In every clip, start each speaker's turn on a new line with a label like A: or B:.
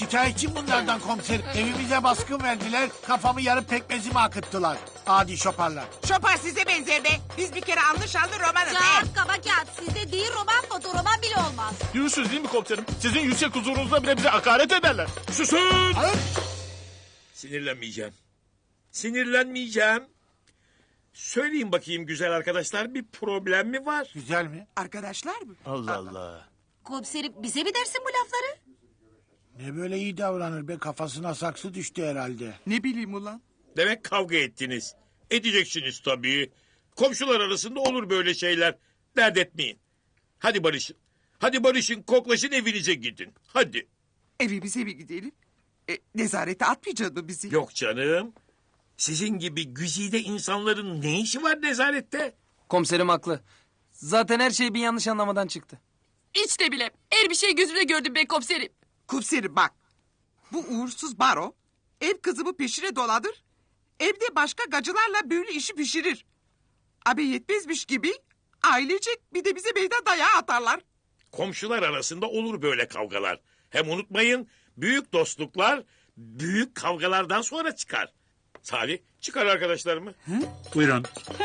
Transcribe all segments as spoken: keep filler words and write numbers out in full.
A: Şikayetçiyim bunlardan komiserim. Evimize baskın verdiler, kafamı yarıp pekmezimi akıttılar. Adi şoparlar.
B: Şopar size benzer be. Biz bir kere anlı şanlı romanız. he.
C: Kağıt kaba kağıt. Sizde değil roman fotoroman bile olmaz.
D: Diyorsunuz değil mi komiserim? Sizin yüksek huzurunuzda bile bize hakaret ederler.
E: Susun!
A: Hayır.
E: Sinirlenmeyeceğim. Sinirlenmeyeceğim. Söyleyin bakayım güzel arkadaşlar, bir problem mi var?
A: Güzel mi?
B: Arkadaşlar mı?
D: Allah Allah.
C: Komiserim bize mi dersin bu lafları?
A: Ne böyle iyi davranır be, kafasına saksı düştü herhalde.
B: Ne bileyim ulan.
E: Demek kavga ettiniz. Edeceksiniz tabii. Komşular arasında olur böyle şeyler. Dert etmeyin. Hadi barışın. Hadi barışın, koklaşın, evinize gidin. Hadi.
B: Evimize mi gidelim? E, nezarete atmayacak mı bizi?
E: Yok canım. Sizin gibi güzide insanların ne işi var nezarette?
F: Komiserim haklı. Zaten her şey bir yanlış anlamadan çıktı.
G: Hiç de bile. Her bir şey gözümle gördüm be komiserim.
B: Komiserim bak. Bu uğursuz baro ev kızımı peşine doladır. Evde başka gacılarla böyle işi pişirir. Abi yetmezmiş gibi ailecek bir de bize meydan dayağı atarlar.
E: Komşular arasında olur böyle kavgalar. Hem unutmayın, büyük dostluklar büyük kavgalardan sonra çıkar. Salih, çıkar arkadaşlarımı.
A: Buyurun.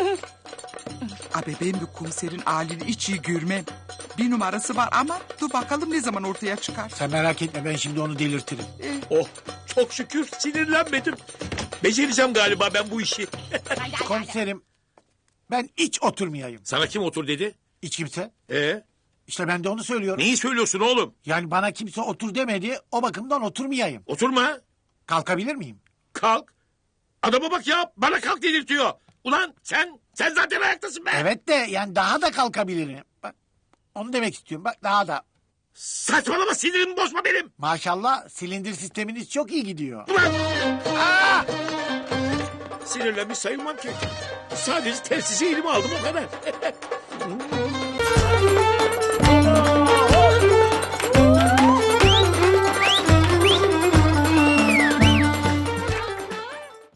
B: Abi ben bu komiserin halini hiç iyi görmem. Bir numarası var ama dur bakalım ne zaman ortaya çıkar.
A: Sen merak etme, ben şimdi onu delirtirim.
E: Oh, çok şükür sinirlenmedim. Becereceğim galiba ben bu işi.
A: Komiserim, ben hiç oturmayayım.
E: Sana kim otur dedi?
A: Hiç kimse.
E: Ee,
A: İşte ben de onu söylüyorum.
E: neyi söylüyorsun oğlum?
A: Yani bana kimse otur demedi, o bakımdan oturmayayım.
E: Oturma,
A: Kalkabilir miyim?
E: kalk. Adama bak ya, bana kalk dedirtiyor. Ulan sen, sen zaten ayaktasın be.
A: Evet de yani daha da kalkabilirim. Bak, onu demek istiyorum. Bak daha da.
E: Saçmalama, sinirimi bozma benim.
A: Maşallah silindir sisteminiz çok iyi gidiyor.
E: Ulan! Aa! Sinirlenmiş sayılmam ki. Sadece telsizi elime aldım, o kadar.